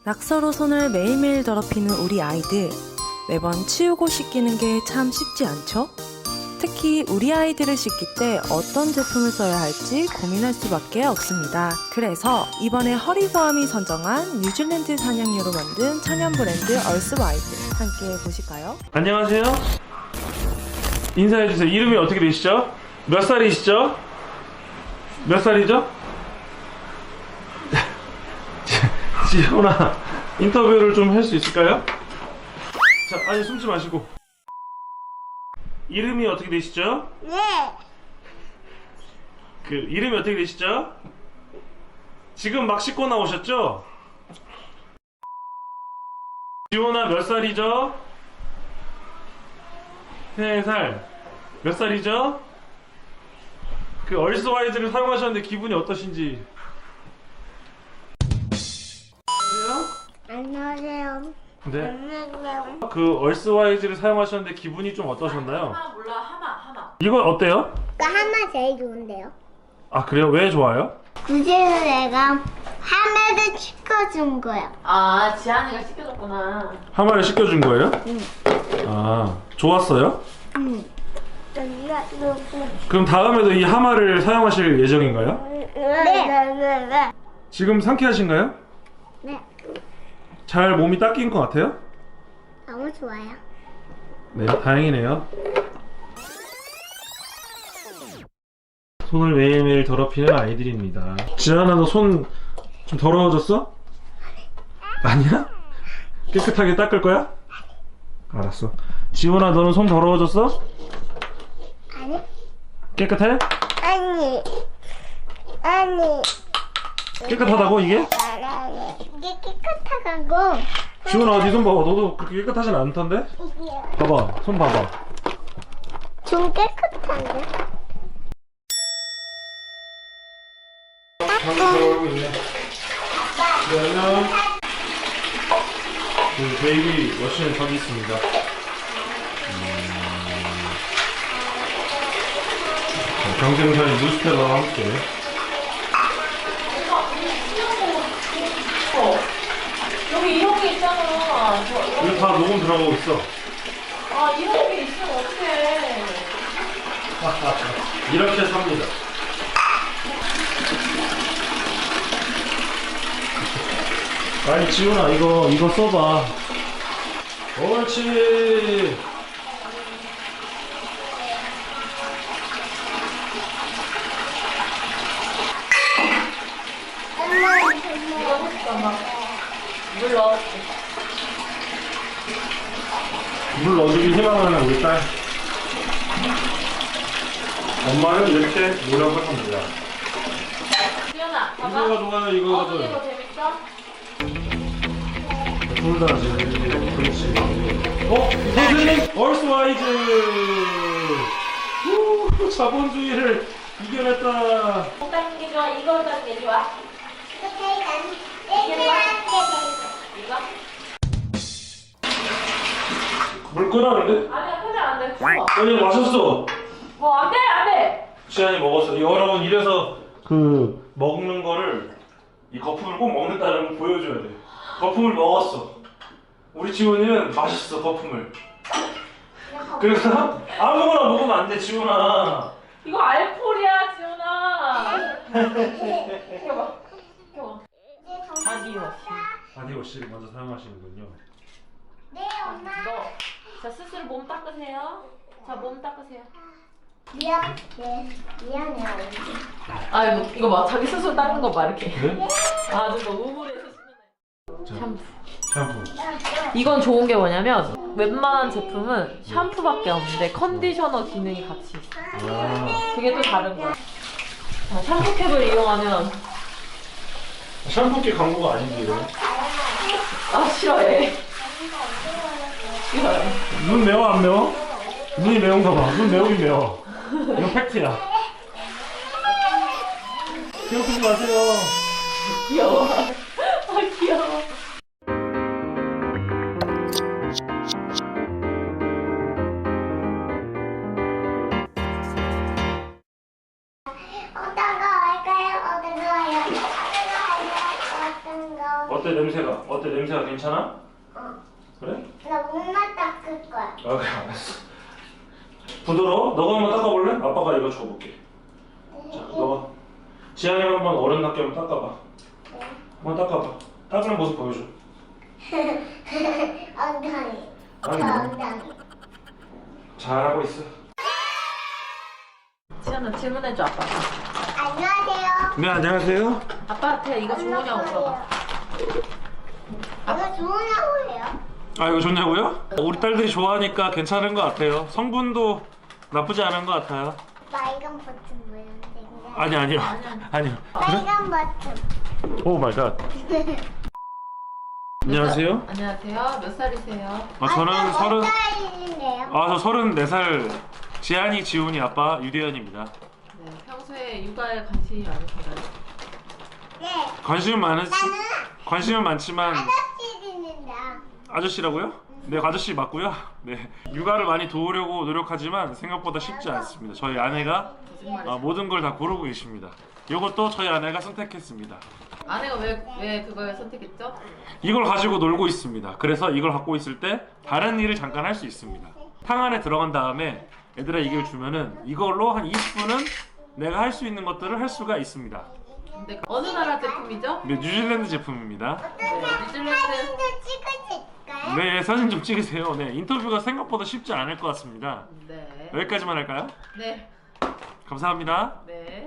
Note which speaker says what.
Speaker 1: 낙서로 손을 매일매일 더럽히는 우리 아이들. 매번 치우고 씻기는 게 참 쉽지 않죠? 특히 우리 아이들을 씻길 때 어떤 제품을 써야 할지 고민할 수밖에 없습니다. 그래서 이번에 허리보암이 선정한 뉴질랜드 산양유로 만든 천연 브랜드 얼스와이드 함께 보실까요?
Speaker 2: 안녕하세요. 인사해주세요. 이름이 어떻게 되시죠? 몇 살이시죠? 몇 살이죠? 지훈아, 인터뷰를 좀 할 수 있을까요? 자, 아니 숨지 마시고. 이름이 어떻게 되시죠?
Speaker 3: 네.
Speaker 2: 그 이름이 어떻게 되시죠? 지금 막 씻고 나오셨죠? 지훈아 몇 살이죠? 3살. 몇 살이죠? 그 얼스와이즈를 사용하셨는데 기분이 어떠신지.
Speaker 3: 안녕하세요.
Speaker 2: 네.
Speaker 3: 안녕하세요.
Speaker 2: 그 얼스와이즈를 사용하셨는데 기분이 좀 어떠셨나요?
Speaker 4: 하마 몰라 하마
Speaker 2: 이건 어때요?
Speaker 3: 하마 제일 좋은데요?
Speaker 2: 아 그래요? 왜 좋아요?
Speaker 3: 그제서 내가 하마를 시켜준 거야.
Speaker 4: 아 지한이가 시켜줬구나.
Speaker 2: 하마를 씻겨준 거예요?
Speaker 3: 응.
Speaker 2: 아 좋았어요?
Speaker 3: 응.
Speaker 2: 그럼 다음에도 이 하마를 사용하실 예정인가요?
Speaker 3: 네.
Speaker 2: 지금 상쾌하신가요?
Speaker 3: 네.
Speaker 2: 잘 몸이 닦인 것 같아요?
Speaker 3: 너무 좋아요.
Speaker 2: 네, 다행이네요. 손을 매일매일 더럽히는 아이들입니다. 지안아, 너 손 좀 더러워졌어? 아니야? 깨끗하게 닦을 거야? 알았어. 지훈아, 너는 손 더러워졌어?
Speaker 3: 아니?
Speaker 2: 깨끗해?
Speaker 3: 아니.
Speaker 2: 깨끗하다고 이게?
Speaker 3: 이게 깨끗하고.
Speaker 2: 지훈아, 어디 손 봐봐. 너도 그렇게 깨끗하진 않던데? 봐봐, 손 봐봐.
Speaker 3: 좀 깨끗한데?
Speaker 2: 방금 들어가고 있네. 네, 안녕. 그 베이비 워시는 저기 있습니다. 경쟁사의 뉴스페러와 함께.
Speaker 4: 여기 이런 게 있잖아.
Speaker 2: 이거 다 녹음 들어가고 있어.
Speaker 4: 아 이런 게 있으면 어떡해.
Speaker 2: 이렇게 삽니다. 아니 지훈아, 이거 써봐. 옳지.
Speaker 4: 물 넣어.
Speaker 2: 물 넣어주길 희망하는 우리 딸. 엄마는 이렇게 노력을 합니다.
Speaker 4: 지현아
Speaker 2: 이거가
Speaker 4: 봐봐.
Speaker 2: 좋아요, 이거거든.
Speaker 4: 이거 재밌어?
Speaker 2: 둘 다 그렇지. 선생님, 얼스와이즈. 우, 자본주의를 이겨냈다.
Speaker 4: 못 닦는 게 좋아. 이거 닦는 게 좋아. 이거?
Speaker 2: 물 끓었는데?
Speaker 4: 아니야 표정 안 돼. 추워.
Speaker 2: 아니 마셨어.
Speaker 4: 안 돼, 안 돼.
Speaker 2: 지안이 먹었어. 여러분, 이래서 그 먹는 거를, 이 거품을 꼭 먹는다는 걸 보여줘야 돼. 거품을 먹었어. 우리 지훈이는 마셨어, 거품을. 그래서 아무거나 먹으면 안 돼, 지훈아.
Speaker 4: 이거 알코올이야, 지훈아. 켜봐. 켜봐. 바디워시.
Speaker 2: 바디워시를 먼저 사용하시는군요.
Speaker 3: 네, 엄마.
Speaker 4: 자, 스스로 몸 닦으세요. 자, 몸 닦으세요.
Speaker 3: 미안해요.
Speaker 4: 아, 이거 봐. 자기 스스로 닦는 거 봐, 이렇게.
Speaker 2: 네?
Speaker 4: 아주 뭐 우물에서 씻는 애. 샴푸.
Speaker 2: 샴푸.
Speaker 4: 이건 좋은 게 뭐냐면 웬만한 제품은 샴푸밖에 없는데 컨디셔너 기능이 같이 있어.
Speaker 2: 아,
Speaker 4: 그게 또 다른 거야. 자, 샴푸캡을 이용하면
Speaker 2: 샴푸기 광고가 아닌데 이거.
Speaker 4: 싫어해. 싫어해.
Speaker 2: 눈 매워 안 매워? 눈이 매운가 봐. 눈 매우긴 매워. 이건 팩트야. 괴롭히지 마세요.
Speaker 4: 귀여워. 귀여워.
Speaker 3: 어떤 거 할까요? 어떤 거 할까요? 어떤 거?
Speaker 2: 어때 냄새가? 어때? 냄새가 괜찮아?
Speaker 3: 어.
Speaker 2: 그래?
Speaker 3: 나 몸만 닦을 거야.
Speaker 2: 아 그래 알았어. 부드러워? 너가 한번 닦아볼래? 아빠가 이거 줘볼게. 자, 너가 지안이가 한번 어른답게 한번 닦아봐. 한번 닦아봐. 닦는 모습 보여줘.
Speaker 3: 엉덩이.
Speaker 2: 아니,
Speaker 3: 엉덩이.
Speaker 2: 잘하고 있어.
Speaker 4: 지연아 질문해줘 아빠.
Speaker 3: 안녕하세요.
Speaker 2: 네 안녕하세요.
Speaker 4: 아빠한테 이거 좋으냐고 물어봐.
Speaker 3: 이거 좋으냐고 해요?
Speaker 2: 아 이거 좋냐고요? 우리 딸들이 좋아하니까 괜찮은 것 같아요. 성분도 나쁘지 않은 것 같아요.
Speaker 3: 빨간 버튼 모양인데.
Speaker 2: 아니요.
Speaker 3: 빨간 버튼.
Speaker 2: 오 마이 갓. 안녕하세요.
Speaker 4: 안녕하세요. 몇 살이세요?
Speaker 2: 아 저는 서른.
Speaker 3: 살인데요.
Speaker 2: 아 저 34살. 지안이, 지훈이 아빠 유대현입니다.
Speaker 4: 네, 평소에 육아에 관심이 많으신가요?
Speaker 3: 네.
Speaker 2: 관심은 많지만
Speaker 3: 아저씨들인데.
Speaker 2: 아저씨라고요? 네 아저씨 맞고요. 네 육아를 많이 도우려고 노력하지만 생각보다 쉽지 않습니다. 저희 아내가 모든 걸 다 고르고 계십니다. 이것도 저희 아내가 선택했습니다.
Speaker 4: 아내가 왜 그걸 선택했죠?
Speaker 2: 이걸 가지고 놀고 있습니다. 그래서 이걸 갖고 있을 때 다른 일을 잠깐 할 수 있습니다. 탕 안에 들어간 다음에 애들아 이걸 주면은 이걸로 한 20분은 내가 할 수 있는 것들을 할 수가 있습니다.
Speaker 4: 근데 어느 나라 제품이죠?
Speaker 2: 네 뉴질랜드 제품입니다.
Speaker 4: 네, 뉴질랜드.
Speaker 3: 사진도 찍어줄까요?
Speaker 2: 네 사진 좀 찍으세요. 네 인터뷰가 생각보다 쉽지 않을 것 같습니다.
Speaker 4: 네.
Speaker 2: 여기까지만 할까요?
Speaker 4: 네.
Speaker 2: 감사합니다.
Speaker 4: 네.